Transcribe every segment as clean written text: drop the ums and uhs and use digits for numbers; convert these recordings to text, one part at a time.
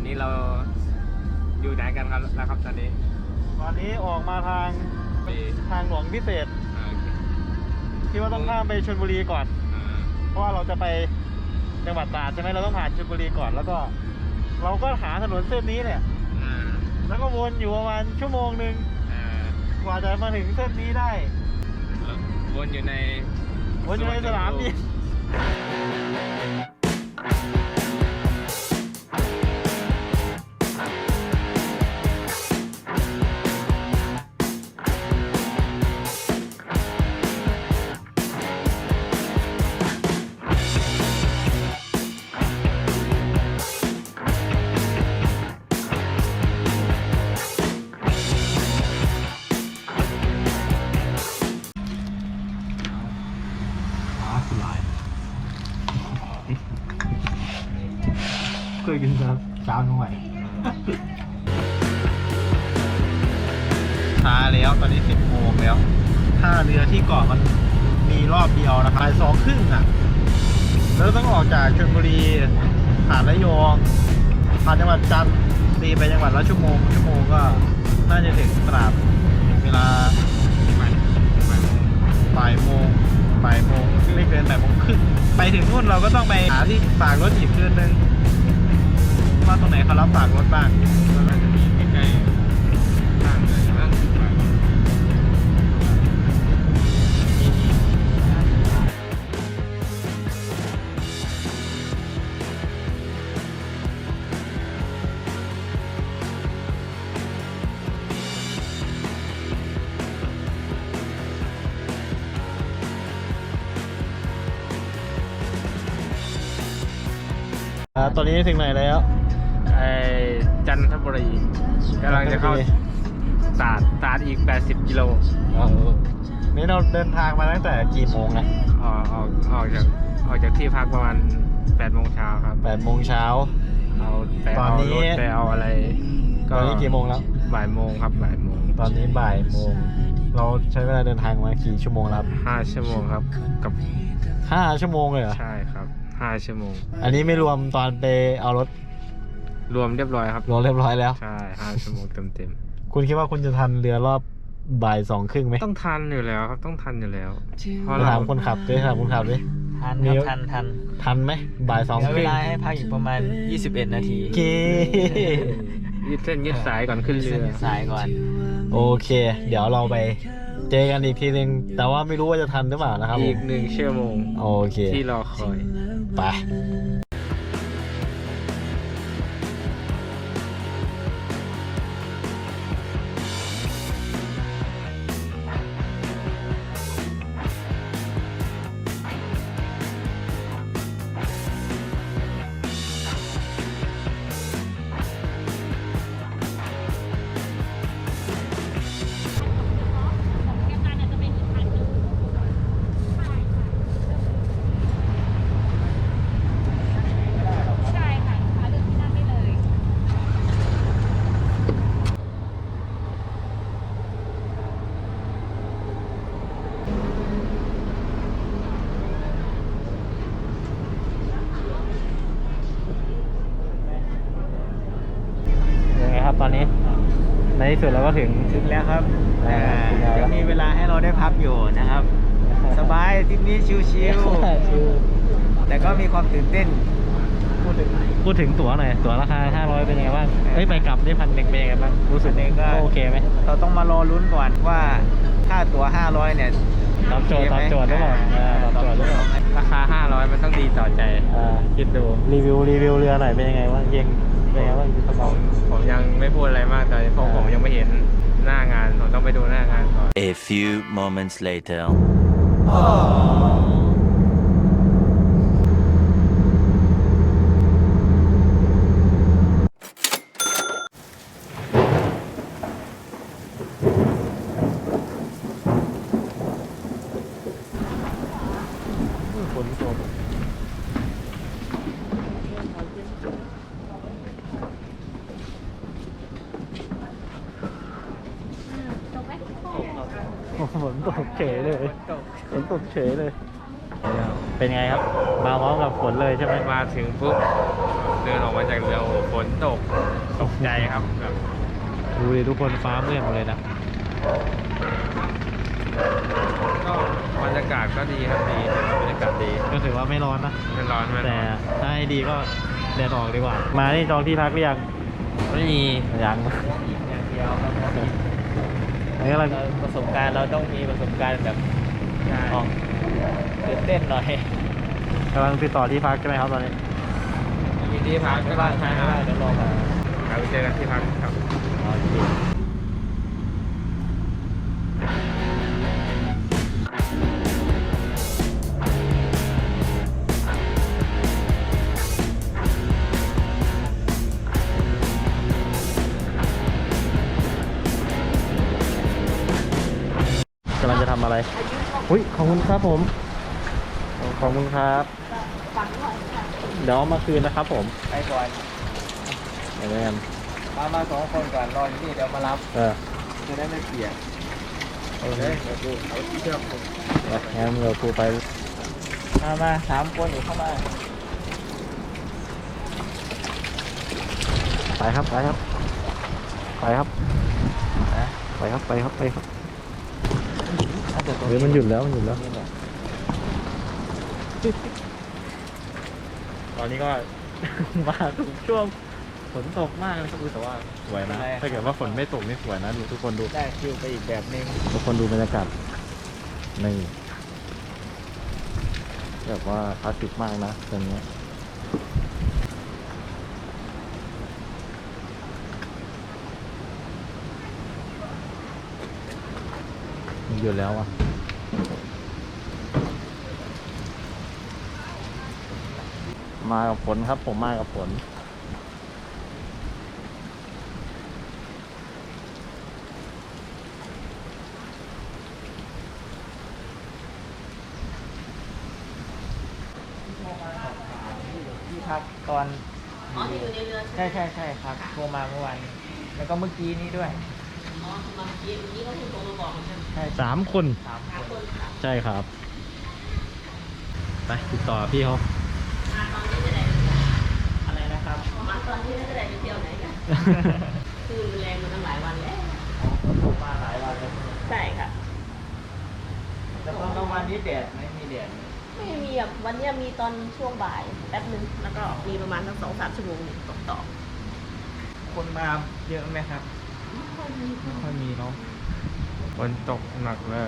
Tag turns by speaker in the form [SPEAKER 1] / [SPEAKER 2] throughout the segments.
[SPEAKER 1] นี้เราอยู่ไหนกันครับแล้วครับตอนนี้
[SPEAKER 2] ออกมาทางหลวงพิเศษคิดว่าต้องข้ามไปชลบุรีก่อนเพราะว่าเราจะไปจังหวัดตราดใช่ไหมเราต้องผ่านชลบุรีก่อนแล้วก็เราก็หาถนนเส้นนี้เนี่ยแล้วก็วนอยู่ประมาณชั่วโมงนึงกว่าจะมาถึงเส้นนี้ได้
[SPEAKER 1] วนอยู่ใน
[SPEAKER 2] สนามบินเคยกินเช้าหน่อยช้าแล้วตอนนี้10 โมงแล้วท่าเรือที่เกาะมันมีรอบเดียวนะครับ2:30อ่ะแล้วต้องออกจากชลบุรีผ่านระยองผ่านจังหวัดจันทร์ตีไปจังหวัดละชั่วโมงก็น่าจะถึงตราดเวลาบ่ายโมงไม่เกินบ่ายโมงครึ่งไปถึงนู่นเราก็ต้องไปหาที่ฝากรถอีกคืนนึงว่าตรงไหนเขารับฝากรถบ้าง
[SPEAKER 1] ก็น่าจะมีใกล้ๆทางเลยนะ
[SPEAKER 2] ตอนนี้ถึงไหนแล้ว
[SPEAKER 1] จันทบุรีกำลังจะเข้าตราดอีก80 กิโล
[SPEAKER 2] นี่เราเดินทางมาตั้งแต่กี่โมงนะ
[SPEAKER 1] ออกจากที่พักประมาณ8 โมงเช้าครับ
[SPEAKER 2] 8 โมงเช้า
[SPEAKER 1] ตอนนี้ไปเอาอะไร
[SPEAKER 2] ตอนนี้กี่โมงแล้ว
[SPEAKER 1] บ่ายโมงครับบ่ายโมง
[SPEAKER 2] ตอนนี้บ่ายโมงเราใช้เวลาเดินทางมากี่ชั่วโมงแล้ว
[SPEAKER 1] 5 ชั่วโมงครับกับ
[SPEAKER 2] 5 ชั่วโมงเลยเหรอ
[SPEAKER 1] ใช่ครับ5 ชั่วโมง
[SPEAKER 2] อันนี้ไม่รวมตอนไปเอารถ
[SPEAKER 1] รวมเรียบร้อยครับ
[SPEAKER 2] รวมเรียบร้อยแล้ว
[SPEAKER 1] ใช่5 ชั่วโมงเต็ม
[SPEAKER 2] คุณคิดว่าคุณจะทันเรือรอบบ่าย2:30ไหม
[SPEAKER 1] ต้องทันอยู่แล้วครับต้องทันอยู่แล้ว
[SPEAKER 2] พอถามคนขับด้วยถามคนขับด้วย
[SPEAKER 3] ทันครับ
[SPEAKER 2] ทันไหมบ่าย2:30
[SPEAKER 3] เวลาให้พักอีกประมาณ21 นาที
[SPEAKER 1] ยืดเส้นยืดสายก่อนขึ้นเรือ
[SPEAKER 3] สายก่อน
[SPEAKER 2] โอเคเดี๋ยวเราไปเจอกันอีกทีนึงแต่ว่าไม่รู้ว่าจะทันหรือเปล่านะครับ
[SPEAKER 1] อีก1 ชั่วโมง
[SPEAKER 2] โอเค
[SPEAKER 1] ที่รอคอย
[SPEAKER 2] ไปตอนนี้ในที่สุดเราก็ถึง
[SPEAKER 3] แล้วครับจะมีเวลาให้เราได้พักอยู่นะครับสบายทริปนี้ชิวๆแต่ก็มีความตื่นเต้น
[SPEAKER 2] พูดถึงตั๋วหน่อยตั๋วราคา500เป็นยังไงบ้างไปกลับได้1,000เป็นยังไงบ้างรู้สึกก็โอเคไหม
[SPEAKER 3] เราต้องมารอลุ้นก่อนว่าค่าตั๋ว500เนี่ย
[SPEAKER 2] ตอบโจทย์หรือเปล่าตอบโจทย์หรือเปล่า
[SPEAKER 1] ราคา500มันต้องดีต่อใจคิดดู
[SPEAKER 2] รีวิวเรือหน่อยเป็นยังไงบ้างเย็นเป็นยังไงบ้าง
[SPEAKER 1] ผมยังไม่พูดอะไรมากตอนนี้เพราะผมยังไม่เห็นหน้างานผมต้องไปดูหน้างานก่อน
[SPEAKER 4] A few moments later
[SPEAKER 2] ฝนตก ฝนตกเฉยเลยฝนตกเฉยเลยเป็นไงครับมาพร้อมกับฝนเลยใช่ไหม
[SPEAKER 1] มาถึงปุ๊บเดินออกมาจากเรือโอ้โหฝนตกใจครับแบบ
[SPEAKER 2] ดูดิทุกคนฟ้ามืดหมดเลยนะ
[SPEAKER 1] ก็บรรยากาศก็ดีครับดีบรรยากาศดี
[SPEAKER 2] ก็ถือว่าไม่ร้อนนะ
[SPEAKER 1] ไม่ร้อนไม่ร้
[SPEAKER 2] แต่
[SPEAKER 1] อน
[SPEAKER 2] ถ้าให้ดีก็แดดออกดีกว่า มานี่จองที่พักหรือยัง
[SPEAKER 1] ไม่มี
[SPEAKER 2] ยัง
[SPEAKER 3] อย่างเดียวครับ
[SPEAKER 2] นี่อะไร
[SPEAKER 3] ประสบการณ์เราต้องมีประสบการณ์แบบ
[SPEAKER 1] ใช่
[SPEAKER 3] ออกตื่นเต้นหน่อย
[SPEAKER 2] กำลังติดต่อที่พักใช่ไหมครับตอนนี้
[SPEAKER 1] มีที่พักก็ใช่ครับ
[SPEAKER 3] เดี๋ยวรอมา
[SPEAKER 1] เราไปเจอกันที่พักครับ
[SPEAKER 2] โอเคกำลังจะทำอะไรอุ้ยขอบคุณครับผม ขอบคุณครับ เดี๋ยวเอามาคืนนะครับผม
[SPEAKER 3] ไปก่อน
[SPEAKER 2] เดี๋ยวกัน
[SPEAKER 3] มาสองคนก่อนรออยู่นี่เดี๋ยวมารับ จะได้ไม่เปียก
[SPEAKER 2] โอเค
[SPEAKER 3] เดี๋ยวดูเอาที่เชือกผม
[SPEAKER 2] งั้นเราครูไป
[SPEAKER 3] มาสามคนอยู่เข้ามา
[SPEAKER 2] ไปครับ ไปครับ ไปครับ
[SPEAKER 3] นะ
[SPEAKER 2] ไปครับ ไปครับ ไปครับ
[SPEAKER 3] ถ้าเกิดตรง
[SPEAKER 2] เฮ้ยมันหยุดแล้ว มันหยุดแล้ว
[SPEAKER 3] นี่แหละ
[SPEAKER 2] ตอนนี้ก็ มาทุกช่วงฝนตกมากเลยครับแต่ว่าสวยนะ ถ้าเกิดว่าฝนไม่ตกนี่สวยนะดูทุกคนดู
[SPEAKER 3] ได้คิวไปอีกแบบนึง
[SPEAKER 2] ทุกคนดูบรรยากาศนี่แบบว่าคลาสสิกมากนะตรงนี้มันหยุดแล้วอ่ะ มากับฝนครับ ผมมากับฝน
[SPEAKER 3] ที่พักตอนอยู่ในเรือใช่ครับโทรมาเมื่อวานแล้วก็เมื่อกี้นี้ด้วยเมื่อกี้เขาโทรมาบอกใช่ไหมใช่
[SPEAKER 2] 3 คน
[SPEAKER 3] 3 คน
[SPEAKER 2] ใช่ครับ ไปติดต่อพี่เขา
[SPEAKER 3] อะไรนะครับ
[SPEAKER 5] มาตอนที่ไม่ได้ไปเที่ยวไหนกัน คือแรงมาตั้งหลายวันแล้ว
[SPEAKER 3] ผมมาหลายวันแล้ว
[SPEAKER 5] ใช่ค่ะ
[SPEAKER 3] แต่ตอนกลางวันนี้แดดไม่มีแดด
[SPEAKER 5] ไม่มีแบบวันเนี้ยมีตอนช่วงบ่ายแป๊บนึง แล้วก็มีประมาณสัก2-3 ชั่วโมงตกต่อ
[SPEAKER 3] คนมาเยอะไหมครับ
[SPEAKER 5] ไม่ค่อยมี
[SPEAKER 3] ไม่ค่อยมีเนาะ
[SPEAKER 1] ฝนตกหนักเลย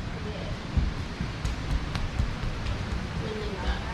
[SPEAKER 5] นิดนึงอะ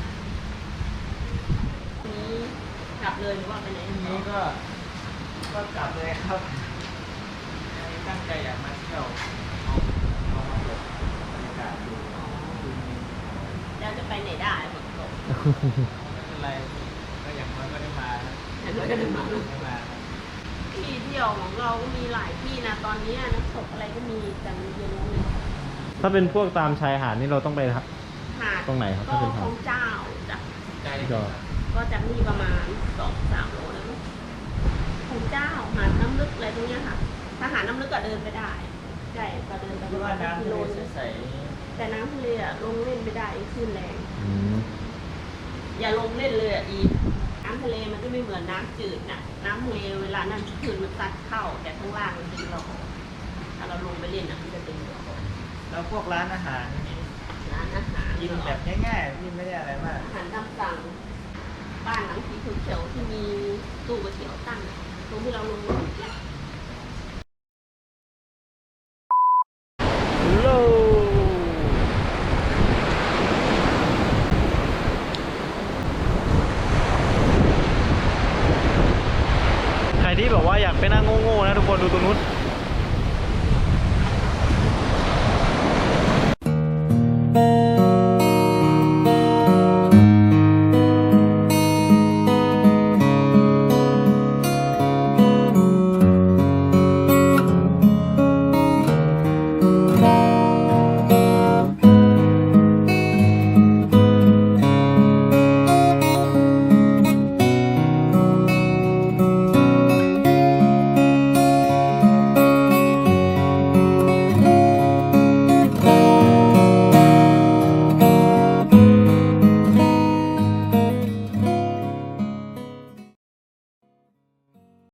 [SPEAKER 5] นี้กลับเลยหรือว่าไปไหน
[SPEAKER 3] ทีนี้ก็กลับเลยครับตั้งใจอยากมาเที่ยวเอามาเปิดบรรยากาศดู
[SPEAKER 5] แล้วจะไปไหนได้ฝนตก
[SPEAKER 3] ไม่เป็นไรก็อย่างน้อยก็ได้มา
[SPEAKER 5] แต่เราก็เดินมา
[SPEAKER 3] ได้มา
[SPEAKER 5] ที่เที่ยวของเราก็มีหลายที่นะตอนเนี้ยน้ำตกอะไรก็มีแต่มันเย็นแล้วเนี่ย
[SPEAKER 2] ถ้าเป็นพวกตามชายหาดนี่เราต้องไป
[SPEAKER 5] หาด
[SPEAKER 2] ตรงไหนครับ
[SPEAKER 5] ก็
[SPEAKER 2] ถ้าเป็น
[SPEAKER 5] ข
[SPEAKER 2] หาด
[SPEAKER 5] องเจ้าจ้ะ
[SPEAKER 2] ก็
[SPEAKER 5] ก็จากนี่ประมาณ2-3 โลแล้วมั้งของเจ้าหาดน้ำลึกอะไรตรงเนี้ยค่ะ ถ้าหาดน้ำลึกก็เดินไปได้ใช่ก็เดินไปป
[SPEAKER 3] คิด
[SPEAKER 5] ระ
[SPEAKER 3] ว่า
[SPEAKER 5] มาณ
[SPEAKER 3] น้ำ
[SPEAKER 5] กิ
[SPEAKER 3] ทะ
[SPEAKER 5] โล
[SPEAKER 3] เล
[SPEAKER 5] นึง
[SPEAKER 3] ใส
[SPEAKER 5] แต่น้ำทะเลอะลงเล่นไม่ได้คลื่นแรง
[SPEAKER 2] อืม
[SPEAKER 5] อย่าลงเล่นเลยอ่ะอีน้ำทะเลมันก็ไม่เหมือนน้ำจืดน่ะ น้ำทะเลเวลาน้ำจืดมันซัดเข้า แต่ข้างล่างมันเป็นหลอกถ้าเราลงไปเล่นอ่ะมันจะเป็นหลอก
[SPEAKER 3] ๆแล้วพวกร้านอาหารนี่
[SPEAKER 5] ร้านอาหาร
[SPEAKER 3] กินแบบง่ายๆที่ไม่ได้อะไรมาก
[SPEAKER 5] อาหารตามสั่งบ้านหลังสีเขียวๆที่มีตู้ก๋วยเตี๋ยวตั้งตรงที่เราลงรถ